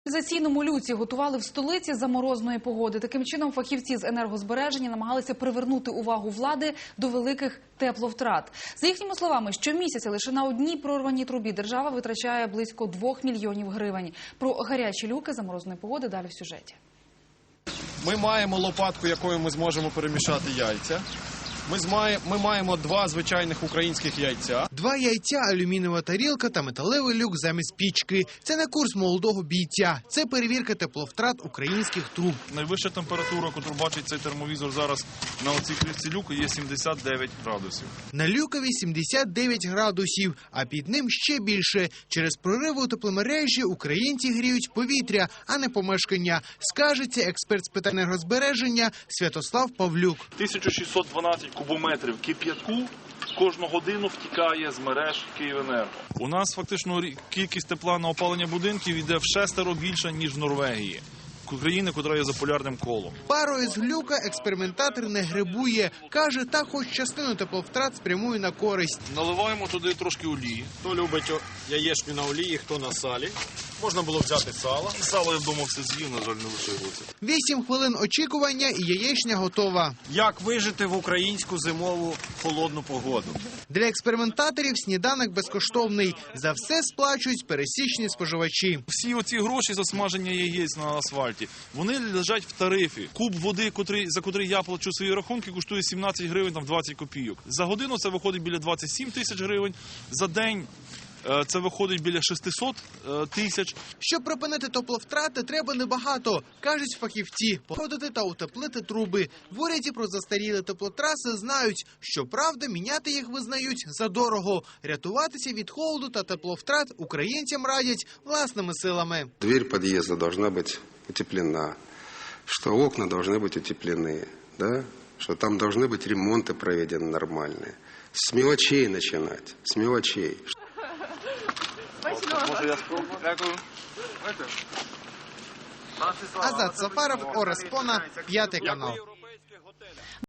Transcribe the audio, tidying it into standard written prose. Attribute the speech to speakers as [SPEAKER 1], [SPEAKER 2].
[SPEAKER 1] Каналізаційному люці готували в столиці за морозної погоди. Таким чином, фахівці з енергозбереження намагалися привернути увагу влади до великих тепловтрат. За їхніми словами, щомісяця лише на одній прорваній трубі держава витрачає близько 2 мільйонів гривень. Про гарячі люки за морозної погоди далі в сюжеті.
[SPEAKER 2] Ми маємо лопатку, якою ми зможемо перемішати яйця. Ми маємо 2 звичайних українських яйця.
[SPEAKER 3] 2 яйця, алюмінієва тарілка та металевий люк замість пічки. Це не курс молодого бійця. Це перевірка тепловтрат українських труб.
[SPEAKER 4] Найвища температура, яку бачить цей термовізор зараз на оцій кришці люку, є 79 градусів.
[SPEAKER 3] На люкові 79 градусів, а під ним ще більше. Через прориви у тепломережі українці гріють повітря, а не помешкання. Скажеться експерт з питань енергозбереження Святослав Павлюк.
[SPEAKER 4] 1612 кубометрів кип'ятку кожну годину втікає з мереж Київенерго. У нас фактично кількість тепла на опалення будинків йде в 6 більше, ніж в Норвегії. України, яка є за полярним колом.
[SPEAKER 3] Парою з глюка експериментатор не грибує. Каже, так хоч частину тепловтрат спрямує на користь.
[SPEAKER 4] Наливаємо туди трошки олії.
[SPEAKER 2] Хто любить яєчню на олії, хто на салі. Можна було взяти сало.
[SPEAKER 4] Сало я вдома все з'їв, на жаль, не лишилося.
[SPEAKER 3] 8 хвилин очікування і яєчня готова.
[SPEAKER 2] Як вижити в українську зимову холодну погоду?
[SPEAKER 3] Для експериментаторів сніданок безкоштовний. За все сплачують пересічні споживачі.
[SPEAKER 4] Всі оці гроші за смаження яєць на асфальті, вони лежать в тарифі. Куб води, за котрий я плачу свої рахунки, коштує 17 гривень, 20 копійок. За годину це виходить біля 27 тисяч гривень. За день це виходить біля 600 тисяч.
[SPEAKER 3] Щоб припинити тепловтрати, треба небагато, кажуть фахівці. Походити та утеплити труби. В уряді про застарілі теплотраси знають. Щоправда, міняти їх визнають задорого. Рятуватися від холоду та тепловтрат українцям радять власними силами.
[SPEAKER 5] Дверь подъезда должна быть утеплена, что окна должны быть утеплены, да? Что там должны быть ремонты проведены нормальные. С мелочей начинать, с мелочей.
[SPEAKER 3] Азат Сафаров, Орес Пона, 5 канал.